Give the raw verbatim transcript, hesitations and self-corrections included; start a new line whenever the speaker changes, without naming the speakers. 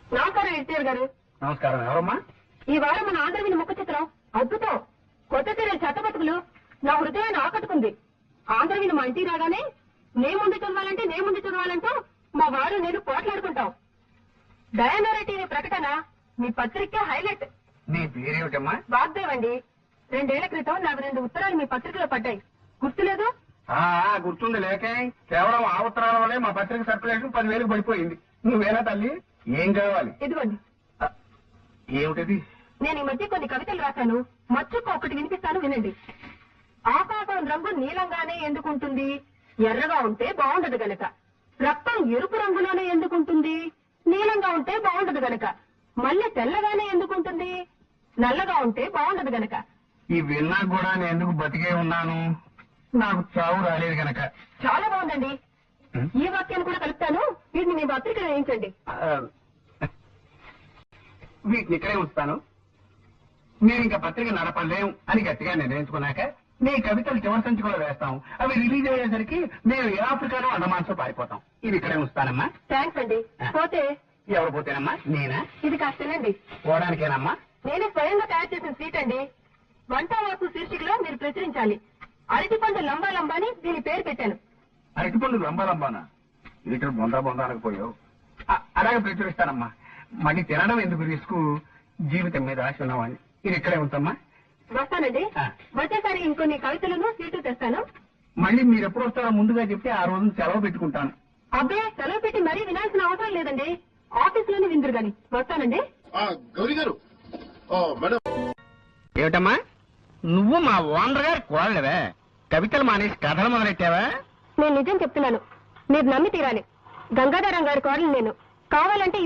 నమస్కారం ఎన్టీఆర్ గారు.
నమస్కారం. ఎవరమ్మా?
ఈ వారం మన ఆంధ్రవిని ముఖ చిత్రం అద్భుతం. కొత్త సీరియల్ చెత్తబతుకులు నా హృదయాన్ని ఆకట్టుకుంది. ఆంధ్రవిని మా ఇంటికి రాగానే నే ముందు చదవాలంటే నే ముందు చదవాలంటూ మా వారు నేను పోట్లాడుకుంటాం. డయానోరా టీవీ ప్రకటన మీ పత్రిక హైలైట్.
నీ పేరేమిటమ్మా?
వాగ్దేవ్ అండి. రెండేళ్ల క్రితం నాకు రెండు ఉత్తరాలు మీ పత్రికలో పడ్డాయి, గుర్తులేదు?
ఆ గుర్తుంది. లేకే కేవలం ఆ ఉత్తరాల వల్లే మా పత్రిక సర్క్యులేషన్ పదివేలకు పడిపోయింది. నువ్వేనా తల్లి? ఏం కావాలి?
ఇదిగోండి.
ఏమిటది?
నేను ఈ మధ్య కొన్ని కవితలు రాశాను, మచ్చుకు ఒకటి వినిపిస్తాను, వినండి. ఆకాశం రంగు నీలంగానే ఎందుకుంటుంది? ఎర్రగా ఉంటే బాగుండదు గనక. రక్తం ఎరుపు రంగులోనే ఎందుకుంటుంది? నీలంగా ఉంటే బాగుండదు గనక. మళ్ళీ తెల్లగానే ఎందుకుంటుంది? నల్లగా ఉంటే బాగుండదు గనక.
ఈ విన్నా కూడా నేను ఎందుకు బతికే ఉన్నాను? నాకు చావు రాలేదు గనక.
చాలా బాగుందండి. ఈ వాక్యాన్ని కూడా కలుపుతాను, వీటిని మీ పత్రికలో వేయించండి.
వీటిని ఇక్కడే ఉంచుతాను. మీరు ఇంకా పత్రిక నడపలేం అని గట్టిగా నిర్ణయించుకున్నాక మీ కవితలు చివరి సంచికలో వేస్తాం. అవి రిలీజ్ అయ్యేసరికి మేము ఏ ఆఫ్రికాలో అండమాన్స్లో పారిపోతాం. ఇవి ఇక్కడే ఉంచుతానమ్మా.
థ్యాంక్స్ అండి. పోతే
ఎవరు పోతేనమ్మా? నేనా?
ఇది కాస్త తినండి.
పోవడానికేనమ్మా?
నేనే స్వయంగా తయారు చేసిన స్వీట్ అండి. వంటవాసు శీర్షికలో మీరు ప్రచురించాలి. అరటిపండు లంబా లంబా అని దీని పేరు పెట్టాను.
అరటిపండు లంబా లంబానా? లీటర్ బొందా బొందా అనకపోయావు. అలాగే ప్రచురిస్తానమ్మా. మళ్ళీ తినడం ఎందుకు రిస్క్? జీవితం మీద ఆశ ఉన్నవాడిని. ఇది ఇక్కడే ఉంచమ్మా.
వస్తానండి. వచ్చేసారి ఇంకొన్ని కవితలను సీటు తెస్తాను.
మళ్ళీ మీరు ఎప్పుడు వస్తారో ముందుగా చెప్తే ఆ రోజు సెలవు పెట్టుకుంటాను.
అబ్బే, సెలవు పెట్టి మరీ వినాల్సిన అవసరం లేదండి. ఆఫీస్ లోనే విందురు గాని. వస్తానండి.
గౌరీ గారు. మేడం,
ఏమిటమ్మా నువ్వు మా ఓనర్ గారి కోడలవే? కవితలు మానేసి కథలు మొదలెట్టావా?
నేను నిజం చెప్తున్నాను, మీరు నమ్మి తీరాలి. గంగాధరం గారి కోడలు నేను. కావాలంటే